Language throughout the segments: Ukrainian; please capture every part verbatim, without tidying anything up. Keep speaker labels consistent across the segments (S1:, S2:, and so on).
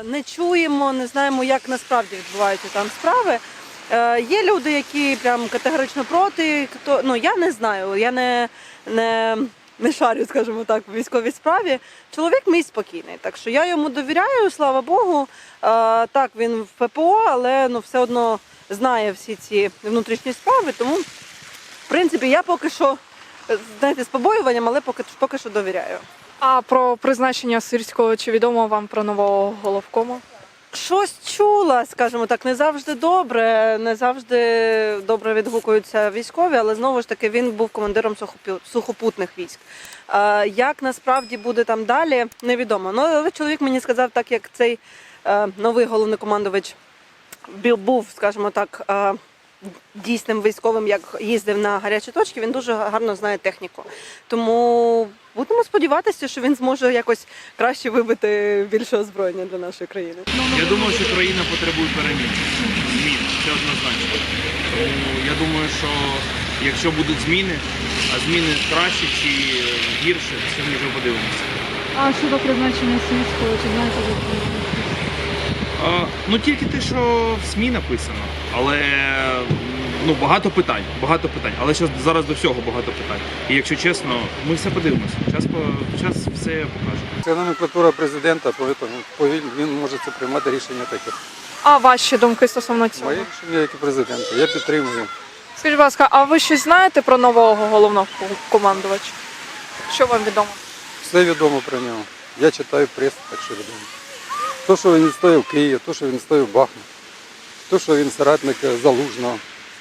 S1: не чуємо, не знаємо, як насправді відбуваються там справи. Є люди, які прям категорично проти, хто, ну я не знаю, я не, не, не шарю, скажімо так, в військовій справі. Чоловік мій спокійний, так що я йому довіряю, слава Богу. Так, він в ППО, але ну, все одно знає всі ці внутрішні справи, тому, в принципі, я поки що, знаєте, з побоюванням, але поки, поки що довіряю.
S2: А про призначення Сирського, чи відомо вам про нового головкома?
S1: Щось чула, скажімо так, не завжди добре, не завжди добре відгукуються військові, але знову ж таки він був командиром сухопутних військ. Як насправді буде там далі, невідомо. Ну, але чоловік мені сказав, так як цей новий головнокомандувач був, скажімо так, дійсним військовим, як їздив на гарячі точки, він дуже гарно знає техніку. Тому будемо сподіватися, що він зможе якось краще вибити більше озброєння для нашої країни.
S3: Я думаю, що країна потребує перемін, змін, це однозначно. Тому я думаю, що якщо будуть зміни, а зміни краще чи гірше, це ми вже подивимося.
S2: А щодо призначення Сирського, чи знаєте ви?
S3: А, ну тільки те, що в СМІ написано, але ну, багато питань, багато питань, але зараз, зараз до всього багато питань. І якщо чесно, ми все подивимося, час, час все покаже.
S4: Це номенклатура президента, тому він може це приймати рішення таке.
S2: А ваші думки стосовно цього?
S4: Моє рішення, як і президента, я підтримую.
S2: Скажіть, будь ласка, а ви щось знаєте про нового головного командувача? Що вам відомо?
S4: Все відомо про нього. Я читаю пресу, так що відомо. То, що він стоїв Київ, то, що він стоїв Бахмут, то, що він соратник Залужного.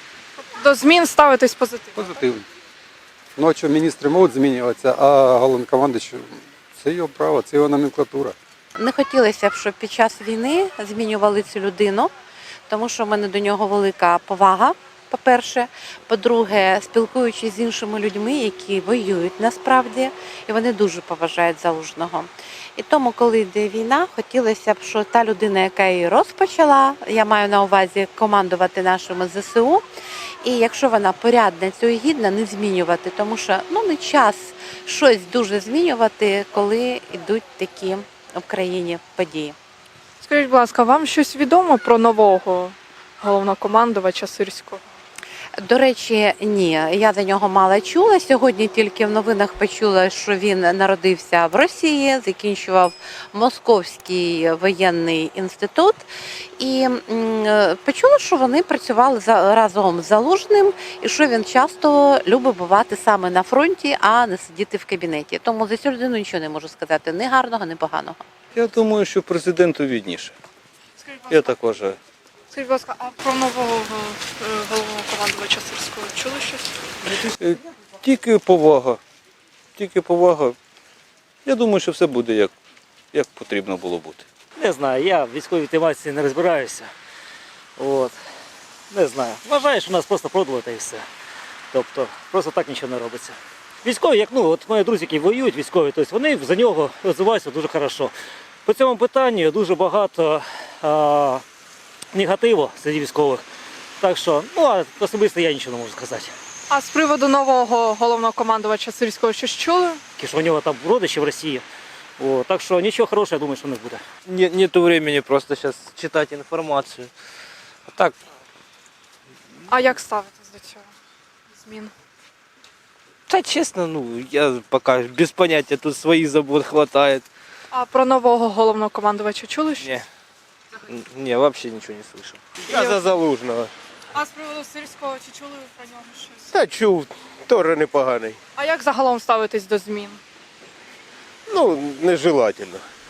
S2: До змін ставитись позитивно?
S4: Позитивно. Ну, а що міністри можуть змінюватися, а головнокомандуючий – це його право, це його номенклатура.
S5: Не хотілося б, щоб під час війни змінювали цю людину, тому що в мене до нього велика повага, по-перше. По-друге, спілкуючись з іншими людьми, які воюють насправді, і вони дуже поважають Залужного. І тому, коли йде війна, хотілося б, що та людина, яка її розпочала, я маю на увазі командувати нашими ЗСУ, і якщо вона порядна, цього гідна, не змінювати, тому що ну, не час щось дуже змінювати, коли йдуть такі в країні події.
S2: Скажіть, будь ласка, вам щось відомо про нового головнокомандувача Сирського?
S5: До речі, ні, я за нього мало чула. Сьогодні тільки в новинах почула, що він народився в Росії, закінчував Московський воєнний інститут. І почула, що вони працювали разом з Залужним, і що він часто любить бувати саме на фронті, а не сидіти в кабінеті. Тому за цю людину нічого не можу сказати, ні гарного, ні поганого.
S6: Я думаю, що президенту відніше. Я так вважаю.
S2: Скажіть, будь ласка, а про нового головнокомандувача Сирського чули щось?
S6: Тільки повага. Тільки повага. Я думаю, що все буде як, як потрібно було бути.
S7: Не знаю, я в військовій тематиці не розбираюся. От. Не знаю. Вважаю, що нас просто продали та і все. Тобто, просто так нічого не робиться. Військові, як ну, от мої друзі, які воюють, військові, тобто вони за нього розвиваються дуже добре. По цьому питанню дуже багато а, негативу серед військових. Так що, ну, а особисто я нічого не можу сказати.
S2: А з приводу нового головнокомандувача Сирського щось чули?
S7: Що у нього там родичі в Росії. О, так що нічого хорошого, я думаю, що не буде.
S8: Нет, нету времени просто сейчас читать информацию. А так,
S2: А як ставитесь до цього? Змін?
S8: да, честно, ну, я пока без понятия, тут своих забот хватает.
S2: А про нового головнокомандувача чули щось?
S8: Не, не, вообще ничего не слышал. Я за Залужного.
S2: А з приводу Сирського, чи чули ви про нього щось?
S9: Та чув, теж непоганий.
S2: А як загалом ставитесь до змін?
S9: Ну, нежелательно.